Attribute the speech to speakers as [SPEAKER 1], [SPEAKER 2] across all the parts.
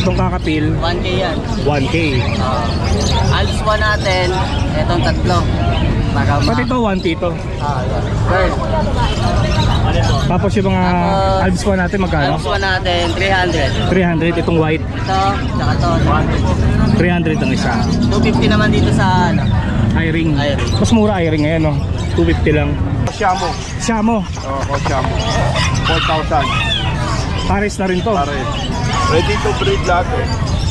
[SPEAKER 1] Itong kakapil,
[SPEAKER 2] 1K yan.
[SPEAKER 1] 1K.
[SPEAKER 2] Alswan natin, etong tatlo. Para
[SPEAKER 1] Pati ito, 1K ito.
[SPEAKER 2] yan. Bird.
[SPEAKER 1] Tapos yung mga
[SPEAKER 2] Tapos,
[SPEAKER 1] albs pa natin magkano?
[SPEAKER 2] Alswan natin, 300.
[SPEAKER 1] 300, itong white.
[SPEAKER 2] Ito, tsaka to,
[SPEAKER 1] 300 ang isa.
[SPEAKER 2] 250 naman dito sa ano.
[SPEAKER 1] I-ring.
[SPEAKER 2] I-ring.
[SPEAKER 1] Mas mura I-ring ngayon, no? 250 lang.
[SPEAKER 3] Siamo.
[SPEAKER 1] Siamo,
[SPEAKER 3] Siamo. 4,000.
[SPEAKER 1] Paris na rin to.
[SPEAKER 3] Pare. Ready to breed lahat eh.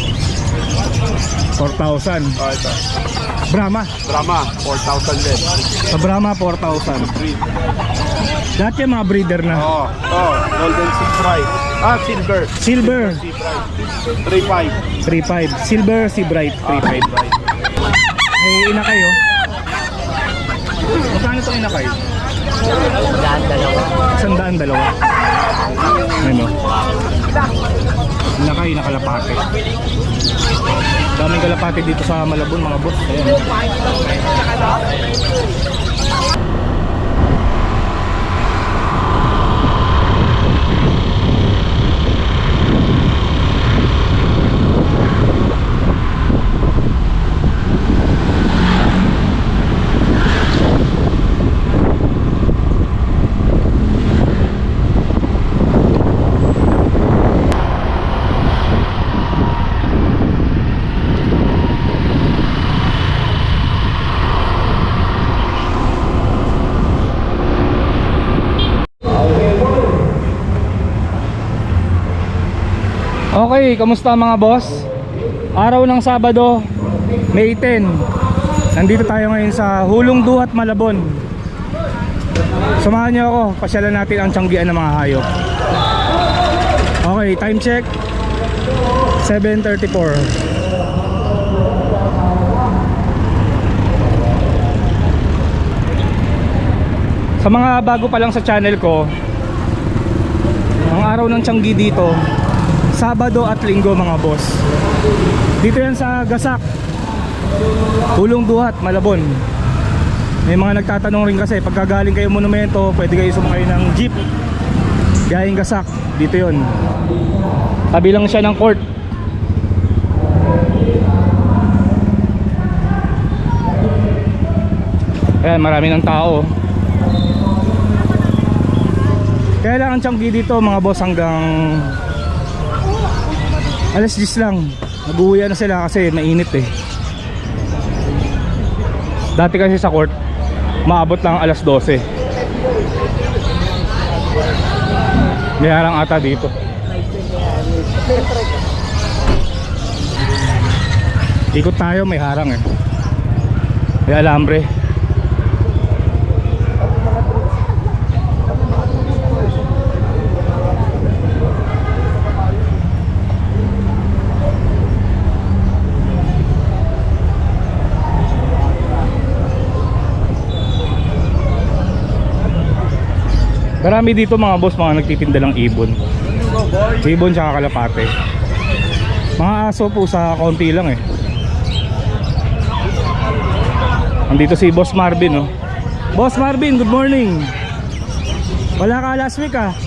[SPEAKER 1] 4,000.
[SPEAKER 3] Ito.
[SPEAKER 1] Brahma.
[SPEAKER 3] Drama. 4,000 din.
[SPEAKER 1] Sa Brahma, 4,000.
[SPEAKER 3] Breed.
[SPEAKER 1] Lahat yung mga breeder na.
[SPEAKER 3] Golden Sea Fry. Silver.
[SPEAKER 1] Silver,
[SPEAKER 3] Sea Fry. 3,500.
[SPEAKER 1] 3,500. Silver, Sea Bright, 3,500. Eh, inakay, oh. Magkano itong inakay?
[SPEAKER 2] Yan, dalawa.
[SPEAKER 1] 100, dalawa. Ano? Inakay, nakalapate. Daming kalapate dito sa Malabon, mga boss. Ayan. Okay, kamusta mga boss? Araw ng Sabado, May 10. Nandito tayo ngayon sa Hulong Duhat, Malabon. Samahan niyo ako, pasyalan natin ang tiyanggian ng mga hayop. Okay, time check 7:34. Sa mga bago pa lang sa channel ko, ang araw ng tiyanggi dito Sabado at Linggo mga boss. Dito yan sa Gasak, Hulong Duhat, Malabon. May mga nagtatanong rin kasi pagkagaling kayo monumento, pwede kayo sumakay ng jeep gayeng Gasak. Dito yon. Tabi lang siya ng court. Ayan, marami ng tao. Kaya lang ang tiyanggi dito mga boss hanggang alas 10 lang. Nag-uwi na sila kasi mainit eh. Dati kasi sa court maabot lang alas 12. May harang ata dito. Ikot tayo, may harang eh. May alambre. Marami dito mga boss, mga nagtitinda ng ibon. Ibon tsaka kalapate. Mga aso po sa konti lang eh. Andito si Boss Marvin, oh. Boss Marvin, good morning. Wala ka last week ah.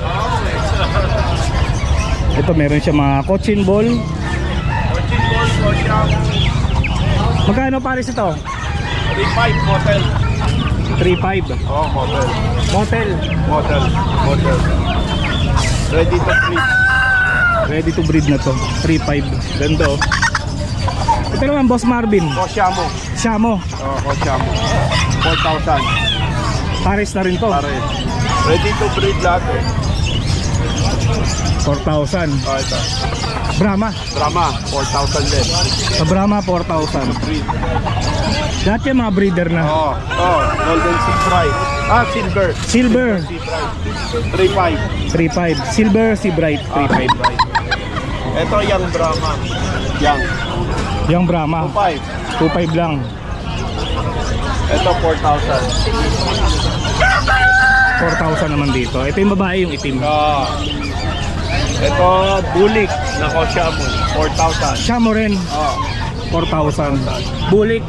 [SPEAKER 1] Ito meron siya mga cochin ball. Magkano pares ito?
[SPEAKER 3] 3,500 motel.
[SPEAKER 1] 3,500.
[SPEAKER 3] Motel.
[SPEAKER 1] Motel.
[SPEAKER 3] Motel. Ready to breed.
[SPEAKER 1] Ready to breed na to. 3,500. Ganda oh. Ito naman Boss Marvin.
[SPEAKER 3] Siamo.
[SPEAKER 1] Siamo.
[SPEAKER 3] Siamo. 4,000.
[SPEAKER 1] Pares na rin to.
[SPEAKER 3] Pare. Ready to breed lahat eh.
[SPEAKER 1] 4,000.
[SPEAKER 3] Ito.
[SPEAKER 1] Brahma.
[SPEAKER 3] Drama. 4,000 din.
[SPEAKER 1] Sa Brahma 4,000.
[SPEAKER 3] Breed.
[SPEAKER 1] Lahat yung mga breeder na.
[SPEAKER 3] Golden Sea Fry. Silver.
[SPEAKER 1] Silver,
[SPEAKER 3] Sea Fry. 3,500.
[SPEAKER 1] 3,500. Silver, Sea Bright, 3,500.
[SPEAKER 3] Ito yung Brahma.
[SPEAKER 1] Yung Brahma
[SPEAKER 3] 2,500.
[SPEAKER 1] 2,500 lang.
[SPEAKER 3] Ito 4,000.
[SPEAKER 1] 4,000 naman dito. Ito yung babae, yung itim.
[SPEAKER 3] Ito bulik na Siamo. 4,000.
[SPEAKER 1] Siamo rin, 4,000. Bulik,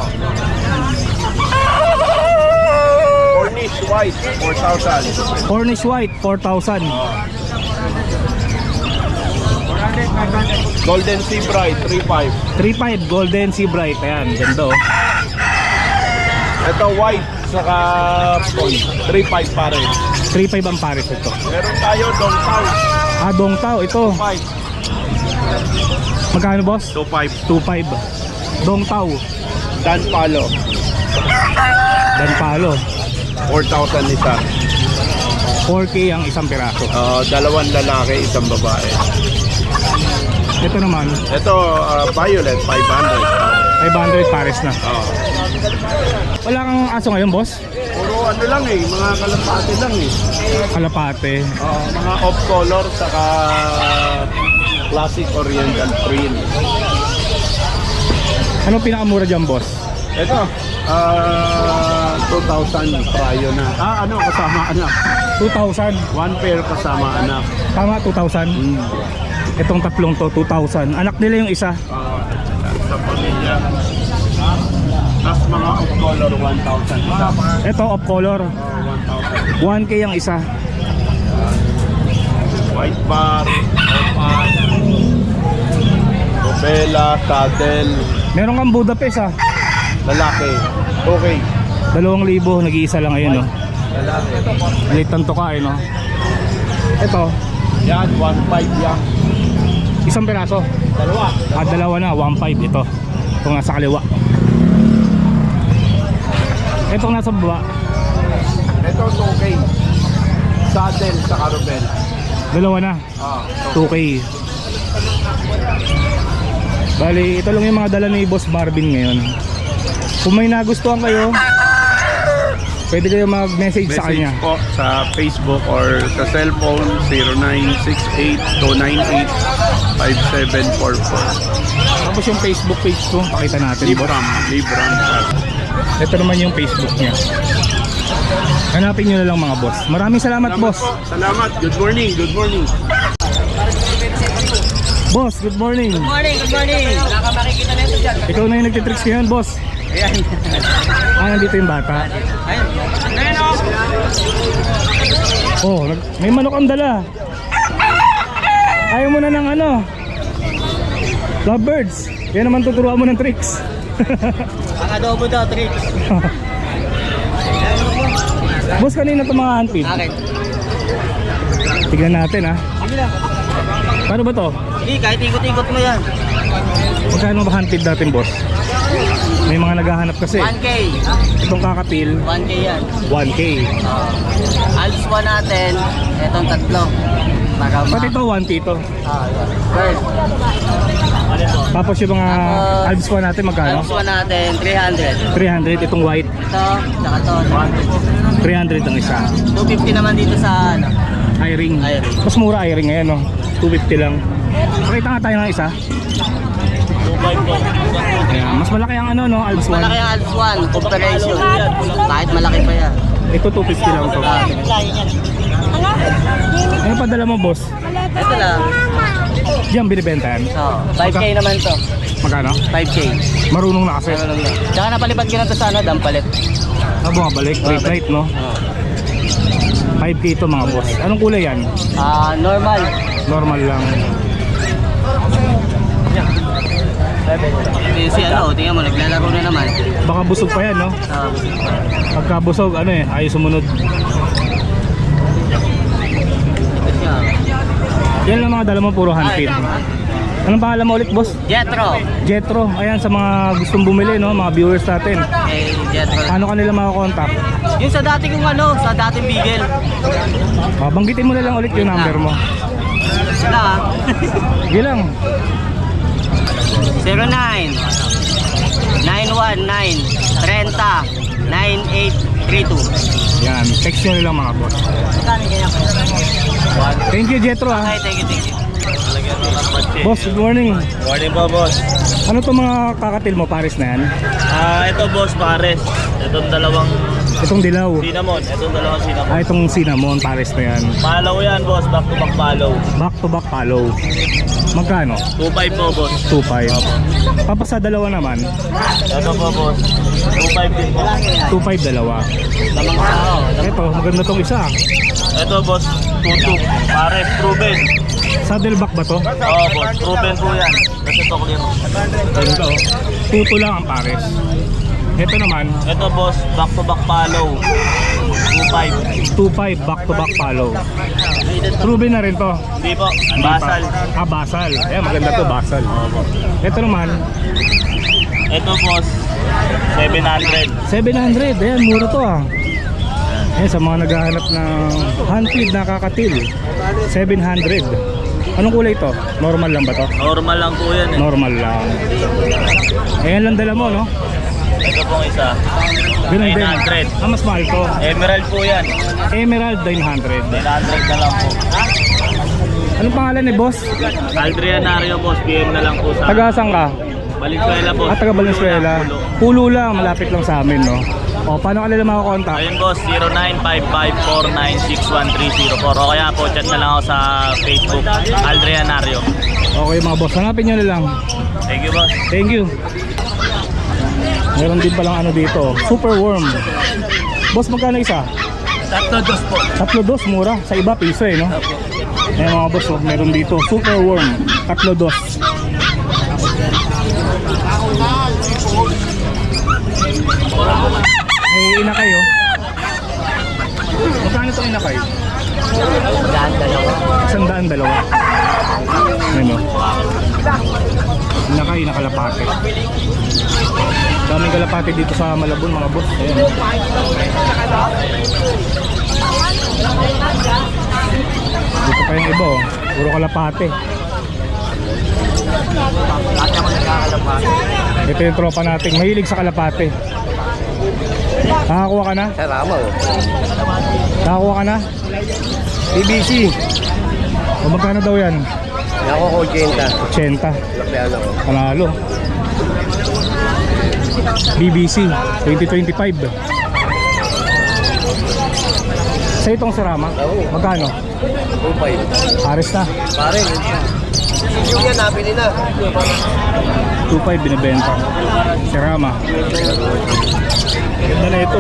[SPEAKER 3] Cornish white 4,000.
[SPEAKER 1] Cornish White, 4,000.
[SPEAKER 3] Golden Sea Bright, 3.5.
[SPEAKER 1] 3.5 Golden Sea Bright. Ayan, ganda oh.
[SPEAKER 3] Ito white, saka pond, 3.5 pa rin.
[SPEAKER 1] 3.5 ang pares ito.
[SPEAKER 3] Meron tayo Dong Tao,
[SPEAKER 1] Ah, Dong Tao, ito.
[SPEAKER 3] 5.
[SPEAKER 1] Magkano boss?
[SPEAKER 3] 2.5.
[SPEAKER 1] 2.5. Dong Tao.
[SPEAKER 3] Dan Palo,
[SPEAKER 1] Dan Palo.
[SPEAKER 3] 4,000 isa.
[SPEAKER 1] 4K ang isang piraso.
[SPEAKER 3] Dalawang lalaki, isang babae.
[SPEAKER 1] Ito naman,
[SPEAKER 3] Ito, violet, 500.
[SPEAKER 1] 500 pares na.
[SPEAKER 3] Oo.
[SPEAKER 1] Wala kang aso ngayon, boss?
[SPEAKER 3] Puro ano lang eh, mga kalapate lang eh.
[SPEAKER 1] Kalapate.
[SPEAKER 3] Mga off-color, saka classic oriental print.
[SPEAKER 1] Anong pinakamura dyan, boss?
[SPEAKER 3] Ito, 2,000 prayo na. Kasama anak.
[SPEAKER 1] 2,000.
[SPEAKER 3] One pair kasama anak.
[SPEAKER 1] Tama, 2,000. Itong tatlong to, 2,000. Anak nila yung isa.
[SPEAKER 3] Sa pamilya. Tapos mga off-color, 1,000 isa.
[SPEAKER 1] Ito, off color.
[SPEAKER 3] 1,000.
[SPEAKER 1] 1K ang isa.
[SPEAKER 3] White bar, opal, Rubella, saddle,
[SPEAKER 1] Meron kang Budapest ah.
[SPEAKER 3] lalaki. Okay.
[SPEAKER 1] 2,000, nag-iisa lang ngayon, no?
[SPEAKER 3] Lalaki.
[SPEAKER 1] Malitan to ka, eh, no? Ito,
[SPEAKER 3] Yan, 1,500 yan.
[SPEAKER 1] isang piraso.
[SPEAKER 3] Dalawa.
[SPEAKER 1] Dalawa na, 1.5 ito. Itong nasa kaliwa. Itong nasa baba,
[SPEAKER 3] Ito, 2K. Saddle sa Rubella.
[SPEAKER 1] dalawa na, 2K. Bali, ito lang yung mga dala ni Boss Marvin ngayon. Kung may nagustuhan kayo, pwede kayo mag-message sa kanya.
[SPEAKER 3] po sa Facebook or sa cellphone 0968-298-5744.
[SPEAKER 1] Tapos yung Facebook page ko, pakita natin, boss.
[SPEAKER 3] Libram.
[SPEAKER 1] Ito naman yung Facebook niya. Hanapin nyo na lang mga boss. Maraming salamat, boss.
[SPEAKER 3] Po. Salamat. Good morning. Good morning.
[SPEAKER 1] Boss, good morning.
[SPEAKER 2] Good morning, good morning. Nakamakikita na ito dyan.
[SPEAKER 1] Ikaw na yung nagtitricks ngayon, boss.
[SPEAKER 2] Ayan.
[SPEAKER 1] Nandito yung bata.
[SPEAKER 2] Ayun. Ayun o.
[SPEAKER 1] Oh, may manok ang dala. Ayaw mo na ng ano? Lovebirds. Yan naman tuturuan mo ng tricks.
[SPEAKER 2] Ang adobo daw, tricks.
[SPEAKER 1] Boss, kanina ito mga handpid.
[SPEAKER 2] Akin.
[SPEAKER 1] Tignan natin ha.
[SPEAKER 2] Sige lang.
[SPEAKER 1] Paano ba to?
[SPEAKER 2] Sige, kahit ikot-ikot mo yan.
[SPEAKER 1] Magkano ba handpid natin, boss? May mga naghahanap kasi.
[SPEAKER 2] 1K.
[SPEAKER 1] Itong kakapil,
[SPEAKER 2] 1K yan.
[SPEAKER 1] 1K.
[SPEAKER 2] Alps 1 natin. Etong tatlo. Para
[SPEAKER 1] Pati ito, 1K ito.
[SPEAKER 2] First.
[SPEAKER 1] Tapos yung mga
[SPEAKER 2] Tapos,
[SPEAKER 1] Alps pa natin, magkano?
[SPEAKER 2] Alps 1 natin, 300.
[SPEAKER 1] 300. Itong white,
[SPEAKER 2] Ito, tsaka to,
[SPEAKER 1] 300 ang isa.
[SPEAKER 2] 250 naman dito sa ano.
[SPEAKER 1] I-ring.
[SPEAKER 2] I-ring.
[SPEAKER 1] Mas mura i-ring ngayon, no? 250 lang. Pakita nga tayo ng isa.
[SPEAKER 2] 2.5 po.
[SPEAKER 1] Ayan. Mas malaki ang ano, no? Alps 1.
[SPEAKER 2] Malaki ang Alps 1, comparison. Kahit malaki pa yan.
[SPEAKER 1] Ito 250 lang to. Ano pa dala mo, boss?
[SPEAKER 2] Ito lang.
[SPEAKER 1] Diyan binibenta yan.
[SPEAKER 2] 5K naman to.
[SPEAKER 1] Magkano?
[SPEAKER 2] 5K.
[SPEAKER 1] Marunong na kasi.
[SPEAKER 2] Ano lang yan. Tsaka napalipad ko na to sa ano, dampalit.
[SPEAKER 1] Bumabalik. Late night, no? 5K ito mga boss. Anong kulay yan?
[SPEAKER 2] Normal.
[SPEAKER 1] Normal lang.
[SPEAKER 2] Si ano, tingnan mo, naglalaro na naman.
[SPEAKER 1] Baka busog pa yan, no? Pagka busog, ano eh, ayaw sumunod.
[SPEAKER 2] Ito siya.
[SPEAKER 1] Yan lang mga dala mo, puro handpid. Anong pangalan mo ulit, boss?
[SPEAKER 2] Jetro.
[SPEAKER 1] Jetro. Ayan, sa mga gustong bumili, no? Mga viewers natin.
[SPEAKER 2] Jetro.
[SPEAKER 1] Paano kanila makakontakt?
[SPEAKER 2] Yung sa dati kong ano, sa dating Bigel.
[SPEAKER 1] Banggitin mo na lang ulit yung number mo.
[SPEAKER 2] Sila
[SPEAKER 1] Sige lang.
[SPEAKER 2] 09 919 30 9832.
[SPEAKER 1] Yan, text nyo na lang mga boss.
[SPEAKER 2] Magkano kaya?
[SPEAKER 1] Thank you, Jetro, ha.
[SPEAKER 2] Okay, thank you.
[SPEAKER 1] Boss, good morning.
[SPEAKER 4] Morning po, boss.
[SPEAKER 1] Ano to mga kakatil mo, Paris na yan?
[SPEAKER 4] Ito, boss, pares. Itong dalawang
[SPEAKER 1] Itong dilaw.
[SPEAKER 4] cinnamon. Itong dalawang cinnamon.
[SPEAKER 1] Itong cinnamon, Paris na yan.
[SPEAKER 4] Follow yan, boss. Back to back follow.
[SPEAKER 1] Back to back follow. Magkano?
[SPEAKER 4] 2.5 po, boss.
[SPEAKER 1] 2.5. Tapos sa dalawa naman,
[SPEAKER 4] Ito po, boss. 2.5 din po.
[SPEAKER 1] 2.5 dalawa.
[SPEAKER 2] Sa mga tao.
[SPEAKER 1] Ito, maganda tong isa.
[SPEAKER 4] Ito, boss. 2.2. Pares, proven.
[SPEAKER 1] Saddleback ba to?
[SPEAKER 4] Oo boss, proven po yan. Kasi to clear.
[SPEAKER 1] Ganda oh. Tuto lang ang pares. Ito naman,
[SPEAKER 4] Ito boss, back to back follow. 2.5.
[SPEAKER 1] 2.5 back to back follow. Proven na rin to.
[SPEAKER 4] Hindi po, basal.
[SPEAKER 1] Ah, basal. Ayan, maganda to, basal. Ito naman,
[SPEAKER 4] Ito boss, 700.
[SPEAKER 1] 700. Ayan, mura to ah. Ayan, sa mga naghahanap ng hand-feed na kakatil, 700. Anong kulay to? Normal lang ba to?
[SPEAKER 4] Normal lang po yan eh.
[SPEAKER 1] Normal lang. Ayan lang dala mo, no?
[SPEAKER 4] Ito pong isa,
[SPEAKER 1] Ganun din.
[SPEAKER 4] 900.
[SPEAKER 1] Ah, mas mahal to.
[SPEAKER 4] Emerald po yan.
[SPEAKER 1] Emerald 900.
[SPEAKER 4] 900 na lang po.
[SPEAKER 1] Anong pangalan ni boss?
[SPEAKER 4] Aldrianario boss, PM na lang po sa
[SPEAKER 1] Taga-saan ka?
[SPEAKER 4] Valenzuela boss.
[SPEAKER 1] Ah, taga Valenzuela. Pulo lang, malapit lang sa amin, no? O, paano ka nila makakontak?
[SPEAKER 4] Ayun boss, 0955496130 o kaya po chat na lang ako sa Facebook, Aldrianario.
[SPEAKER 1] Okay mga boss, hanapin nyo na lang.
[SPEAKER 4] Thank you boss.
[SPEAKER 1] Thank you. Meron din palang ano dito, super worm. Boss, magkano isa?
[SPEAKER 4] 3-2 po.
[SPEAKER 1] 3-2, mura. Sa iba, piso eh, no? Ayan mga boss, oh, meron dito, super worm, 3-2. May inakay, oh. Magkano itong inakay? 100 dalawa. Ano? Inakay, nakalapate. Daming kalapate dito sa Malabon mga boss. Ayan. Dito pa yung iba, oh. Puro kalapate. Ito yung tropa nating mahilig sa kalapate. Nakakuha ka na?
[SPEAKER 2] Sarama oh.
[SPEAKER 1] Nakakuha ka na? BBC. O magkano daw yan?
[SPEAKER 2] Ako ko 80.
[SPEAKER 1] 80.
[SPEAKER 2] Lapiano ko.
[SPEAKER 1] Panalo. BBC 2025. Sa itong Sarama? Magkano?
[SPEAKER 2] 2.5.
[SPEAKER 1] Pares na.
[SPEAKER 2] Pare, yung yan nabili na.
[SPEAKER 1] 2.5 binibenta. Sarama. Ganda na ito.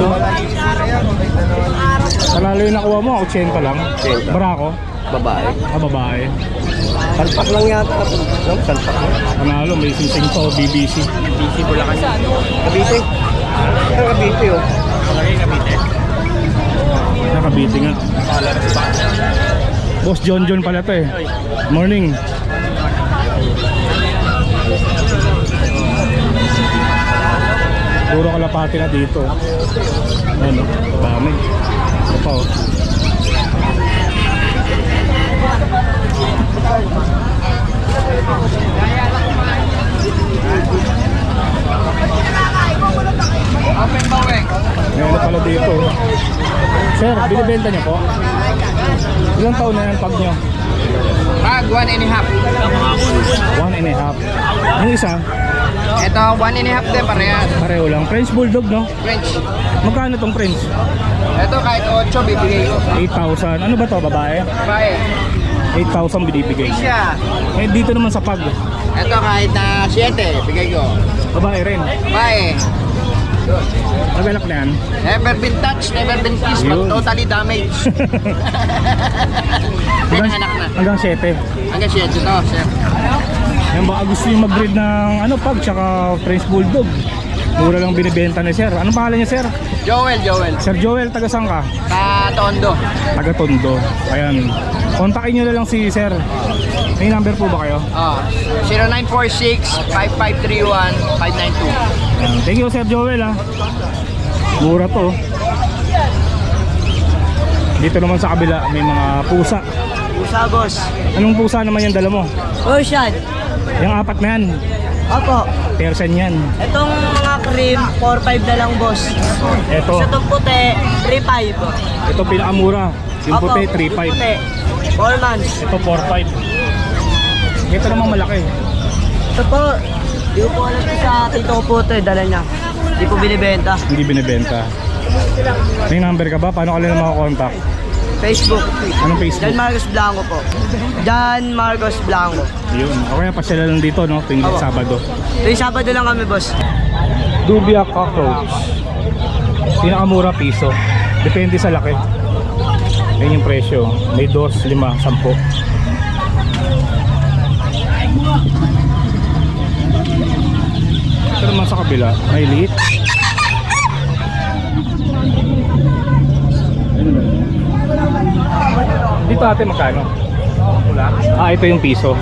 [SPEAKER 1] Panalo yung nakuha mo, 80 lang.
[SPEAKER 2] 80.
[SPEAKER 1] Barako?
[SPEAKER 2] Babae.
[SPEAKER 1] Ah, babae.
[SPEAKER 2] Salpak lang yata. No, salpak lang.
[SPEAKER 1] Panalo, may sing-sing to, BBC.
[SPEAKER 2] BBC ko lang kasi. Kabite. Ito kabite oh.
[SPEAKER 1] Nakabiti nga. Boss John John pala to eh. Morning. Puro kalapati na dito. Ano, dami. Ito pa oh. Ngayon pala dito. Sir, binibenta niyo po? Ilang taon na yan pag nyo?
[SPEAKER 5] Pag 1.5.
[SPEAKER 1] 1.5. Yung isa,
[SPEAKER 5] Ito 1.5 din parehas.
[SPEAKER 1] pareho lang. French Bulldog, no?
[SPEAKER 5] French.
[SPEAKER 1] Magkano tong French?
[SPEAKER 5] Ito kahit 8 bibigay ko.
[SPEAKER 1] 8,000. Ano ba to, babae?
[SPEAKER 5] Bae.
[SPEAKER 1] 8,000 binibigay.
[SPEAKER 5] Siya.
[SPEAKER 1] Eh, dito naman sa pag.
[SPEAKER 5] Ito kahit na 7 bigay ko.
[SPEAKER 1] Babae rin.
[SPEAKER 5] Bae.
[SPEAKER 1] Nagalak na yan.
[SPEAKER 5] Never been touched, never been kissed, but
[SPEAKER 1] Yun.
[SPEAKER 5] totally damaged. Anak na.
[SPEAKER 1] Hanggang 7.
[SPEAKER 5] Hanggang 7 to, sir.
[SPEAKER 1] Yan, baka gusto yung mag-breed ng ano, pag tsaka French Bulldog. Mura lang binibenta ni sir. Anong pangalan niya, sir?
[SPEAKER 5] Joel.
[SPEAKER 1] Sir Joel, taga saan ka?
[SPEAKER 5] Tondo.
[SPEAKER 1] Taga Tondo. Ayan. Kontakin nyo na lang si sir. May number po ba kayo?
[SPEAKER 5] 0946-5531-592.
[SPEAKER 1] Ayan. Thank you, Sir Joel, ha. Mura to. Dito naman sa kabila, may mga pusa.
[SPEAKER 4] Pusa boss.
[SPEAKER 1] Anong pusa naman yung dala mo?
[SPEAKER 6] Persian.
[SPEAKER 1] Yung apat na yan.
[SPEAKER 6] Opo.
[SPEAKER 1] Persian yan.
[SPEAKER 6] Itong mga cream, 4.5 na lang, boss.
[SPEAKER 1] Ito.
[SPEAKER 6] Sa itong puti, 3.5.
[SPEAKER 1] Ito pinakamura. Yung
[SPEAKER 6] Opo,
[SPEAKER 1] puti,
[SPEAKER 6] yung
[SPEAKER 1] 3.5.
[SPEAKER 6] puti, 4 months.
[SPEAKER 1] Ito, 4.5. Ito namang malaki.
[SPEAKER 6] Ito po, di ko po alam sa tito ko po ito, dala niya. Di po binibenta.
[SPEAKER 1] Hindi binibenta. May number ka ba? Paano ka nila makakontakt?
[SPEAKER 6] Facebook.
[SPEAKER 1] Anong Facebook?
[SPEAKER 6] John Marcos Blanco po. John Marcos Blanco.
[SPEAKER 1] Yun. O kaya pasyala lang dito, no? Tuwing
[SPEAKER 6] Opo.
[SPEAKER 1] Sabado.
[SPEAKER 6] Tuwing Sabado lang kami, boss.
[SPEAKER 1] Dubia cockroach. Pinakamura piso. Depende sa laki. Yan yung presyo. May 2, 5, 10. sa kabila, may liit. Dito ate magkano? Ito yung piso.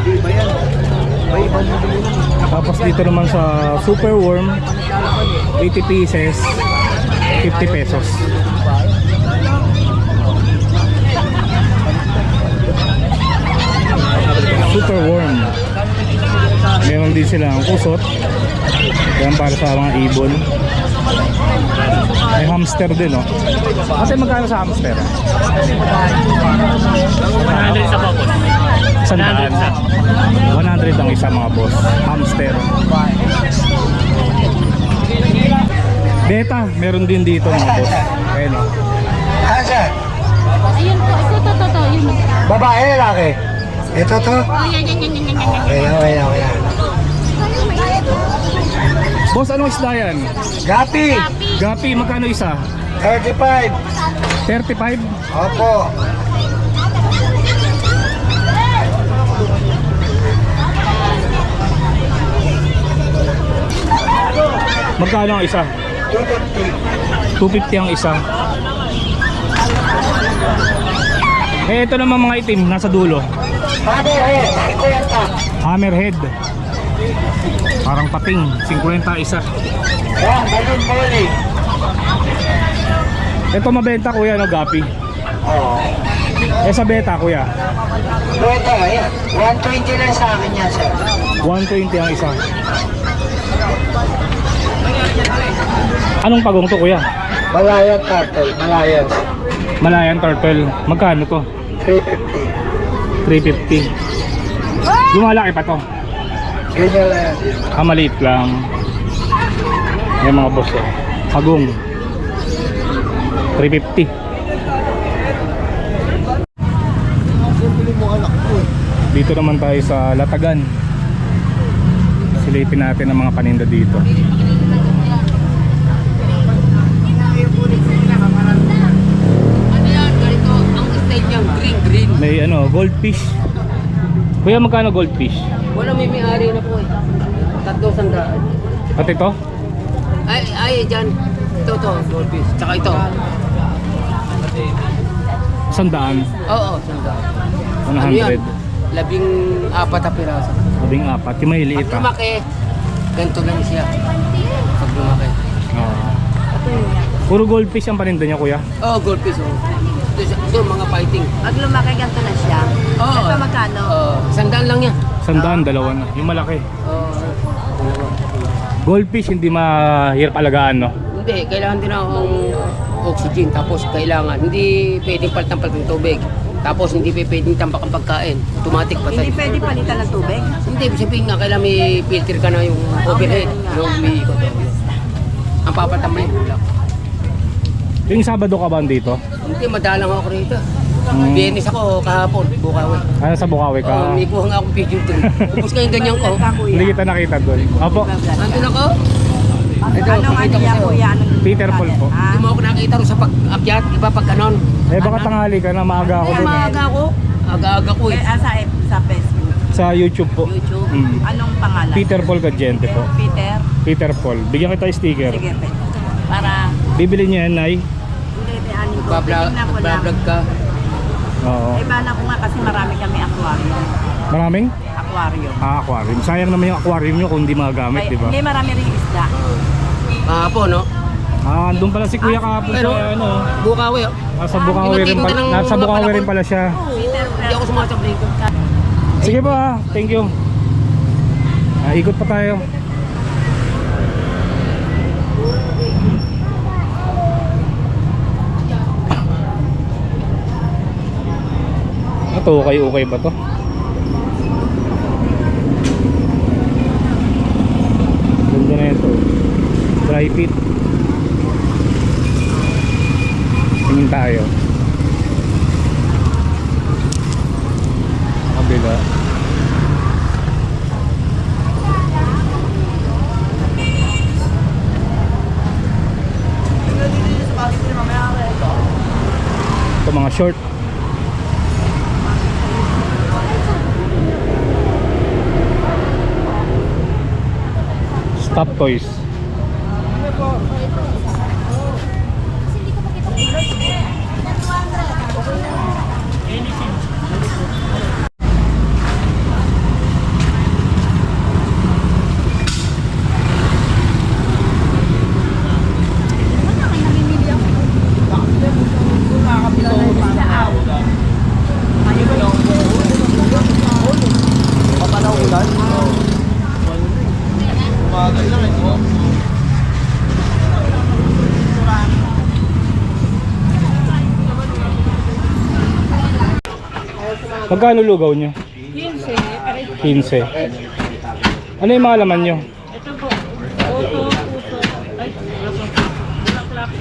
[SPEAKER 1] Tapos dito naman sa super worm, 80 pieces, 50 pesos. Super worm. Meron din silang kusot. Yan para sa mga ibon. May hamster din, no? Kasi magkano sa hamster?
[SPEAKER 4] 100 sa popos.
[SPEAKER 1] 100 ang isa mga boss. Hamster. Beta, meron din dito mga boss. Ayun, no?
[SPEAKER 7] Ayun po, ito, yun.
[SPEAKER 8] Babae, lalaki. Ito to.
[SPEAKER 7] Oh, yan.
[SPEAKER 8] Okay.
[SPEAKER 1] Boss, anong isda yan?
[SPEAKER 8] Gapi.
[SPEAKER 1] Gapi, magkano isa?
[SPEAKER 8] 35.
[SPEAKER 1] 35?
[SPEAKER 8] Opo.
[SPEAKER 1] Magkano ang isa? 250 ang isa. Eh, ito naman mga itim, nasa dulo. Hammerhead. Parang pating, 50 isa.
[SPEAKER 8] Yan, balloon bowling.
[SPEAKER 1] Ito mabenta kuya, no, gapi.
[SPEAKER 8] Oo.
[SPEAKER 1] Eh sa beta kuya,
[SPEAKER 8] Ito, ayan. 120 lang sa akin yan, sir.
[SPEAKER 1] 120 ang isa. Anong pagong to kuya?
[SPEAKER 8] Malayan turtle. Malayan.
[SPEAKER 1] Malayan turtle. Magkano to?
[SPEAKER 8] 350.
[SPEAKER 1] 350. Lumalaki pa to.
[SPEAKER 8] Ganyan lang yan.
[SPEAKER 1] Maliit lang. Yung mga boss, oh. Pagong 350. Dito naman tayo sa Latagan. Silipin natin ang mga paninda dito.
[SPEAKER 5] Ano yan? Ganito, ang style niyang green.
[SPEAKER 1] May goldfish. Kuya, magkano goldfish?
[SPEAKER 5] Wala may-ari na po eh. 300.
[SPEAKER 1] At ito?
[SPEAKER 5] Ay, dyan. Ito, goldfish. Tsaka ito.
[SPEAKER 1] 100.
[SPEAKER 5] Oo, sanda.
[SPEAKER 1] 100.
[SPEAKER 5] 14 na piraso.
[SPEAKER 1] 14. Yung may liit
[SPEAKER 5] Pag
[SPEAKER 1] ah.
[SPEAKER 5] lumaki, ganito lang siya. Pag lumaki.
[SPEAKER 1] Puro goldfish ang paninda niya kuya.
[SPEAKER 5] Oo, goldfish. Oh. Ito, mga fighting.
[SPEAKER 7] Pag lumaki ganito na siya.
[SPEAKER 5] Oo.
[SPEAKER 7] Ito magkano?
[SPEAKER 5] Oo, 100 lang yan.
[SPEAKER 1] 100, dalawa na. Yung malaki.
[SPEAKER 5] Oo.
[SPEAKER 1] Goldfish hindi mahirap alagaan, no?
[SPEAKER 5] Hindi, kailangan din akong oxygen. Tapos kailangan, hindi pwedeng palitan ng tubig. Tapos hindi pwedeng tambak ang pagkain. Automatic patay.
[SPEAKER 7] Hindi pwede palitan ng tubig?
[SPEAKER 5] Hindi, sabihin nga, kailangan may filter ka na yung overhead. Yung umiikot. Ang papatambay mo lang.
[SPEAKER 1] Yung Sabado ka ba dito?
[SPEAKER 5] Hindi, madalang ako rito. Biyernes ako kahapon, Bukawi.
[SPEAKER 1] Ano sa Bukawi ka?
[SPEAKER 5] May kuha nga akong picture doon. Tapos kayong ganyan ko.
[SPEAKER 1] Hindi kita nakita doon. Opo,
[SPEAKER 5] Nandun ako. Ito,
[SPEAKER 7] Anong
[SPEAKER 5] pakita ko
[SPEAKER 7] niya
[SPEAKER 5] sa'yo.
[SPEAKER 7] kuya? Anong
[SPEAKER 1] Peter Paul po.
[SPEAKER 5] Hindi mo ako nakita rin sa pag-akyat, iba pag ganon.
[SPEAKER 1] Eh baka tanghali ka na, maaga ako
[SPEAKER 5] Kaya
[SPEAKER 1] doon.
[SPEAKER 5] maaga ako. Aga-aga ko eh.
[SPEAKER 7] Sa Facebook.
[SPEAKER 1] Sa YouTube po.
[SPEAKER 5] YouTube.
[SPEAKER 7] Anong pangalan?
[SPEAKER 1] Peter Paul Gadiente po.
[SPEAKER 7] Peter?
[SPEAKER 1] Peter Paul. Bigyan kita sticker.
[SPEAKER 7] Sige, pe. Para
[SPEAKER 1] Bibili niya yan, Nay.
[SPEAKER 7] hindi anin ko.
[SPEAKER 5] Bablog
[SPEAKER 7] Tingnan ko lang.
[SPEAKER 5] ka.
[SPEAKER 1] Oo.
[SPEAKER 7] Ay, bala ko nga kasi marami kami aquarium.
[SPEAKER 1] Maraming?
[SPEAKER 7] Aquarium.
[SPEAKER 1] Aquarium. Sayang naman yung aquarium nyo kung hindi magagamit, di ba?
[SPEAKER 7] Hindi, marami rin isda.
[SPEAKER 5] Kahapon, no?
[SPEAKER 1] Doon pala si Kuya kahapon
[SPEAKER 5] Pero,
[SPEAKER 1] sa
[SPEAKER 5] Bukawi, oh.
[SPEAKER 1] Nasa Bukawi rin pala. Nasa Bukawi rin pala siya.
[SPEAKER 5] Hindi ako sumasab dito.
[SPEAKER 1] Sige po ah. Thank you. Ikot pa tayo. Ito, okay ba to? Ganda na ito. Dry fit. Tingin tayo. Kabila. Ito mga short. Stop toys. Magkano lugaw nyo? 15. Ano yung mga laman nyo?
[SPEAKER 7] Ito po. Oto, puso. Ay, bulaklak.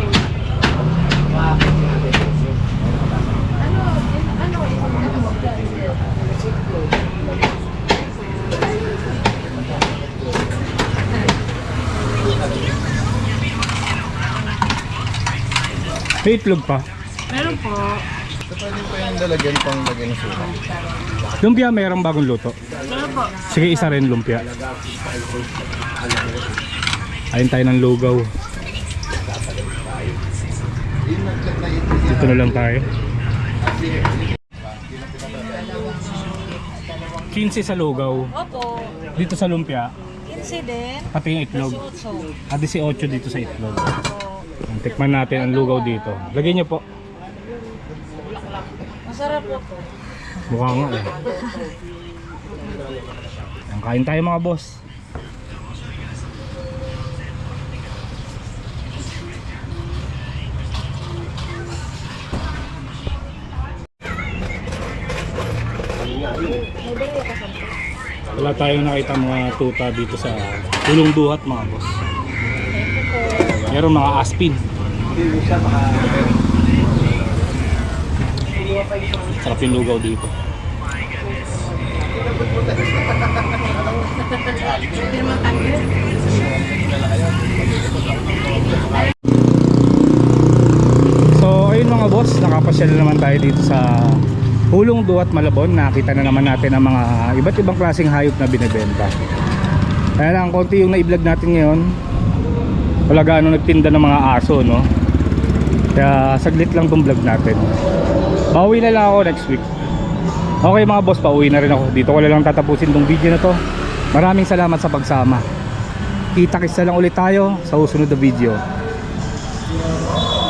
[SPEAKER 1] May itlog pa.
[SPEAKER 7] Meron po.
[SPEAKER 1] Lumpia mayroong bagong luto.
[SPEAKER 7] Meron po.
[SPEAKER 1] Sige, isa rin lumpia. Ayun tayo ng lugaw. Dito na lang tayo. 15 sa lugaw.
[SPEAKER 7] Opo.
[SPEAKER 1] Dito sa lumpia,
[SPEAKER 7] 15 din.
[SPEAKER 1] pati yung itlog.
[SPEAKER 7] 18.
[SPEAKER 1] At 18 dito sa itlog. Tikman natin ang lugaw dito. Lagyan nyo po.
[SPEAKER 7] Masarap po.
[SPEAKER 1] Mukha nga eh. Ayan, kain tayo mga boss. Wala tayong nakita mga tuta dito sa Pulong Duhat mga boss. Meron mga aspin. Sarap yung lugaw dito. So ayun mga boss, nakapasyal na naman tayo dito sa Pulong Duhat, Malabon. Nakita na naman natin ang mga iba't ibang klaseng hayop na binibenta. Kaya lang konti yung na-vlog natin ngayon. Wala gaano nagtinda ng mga aso, no? Kaya saglit lang tong vlog natin. Pauwi na lang ako next week. Okay mga boss, pauwi na rin ako. Dito ko na lang tatapusin tong video na to. Maraming salamat sa pagsama. Kita-kits na lang ulit tayo sa susunod na video.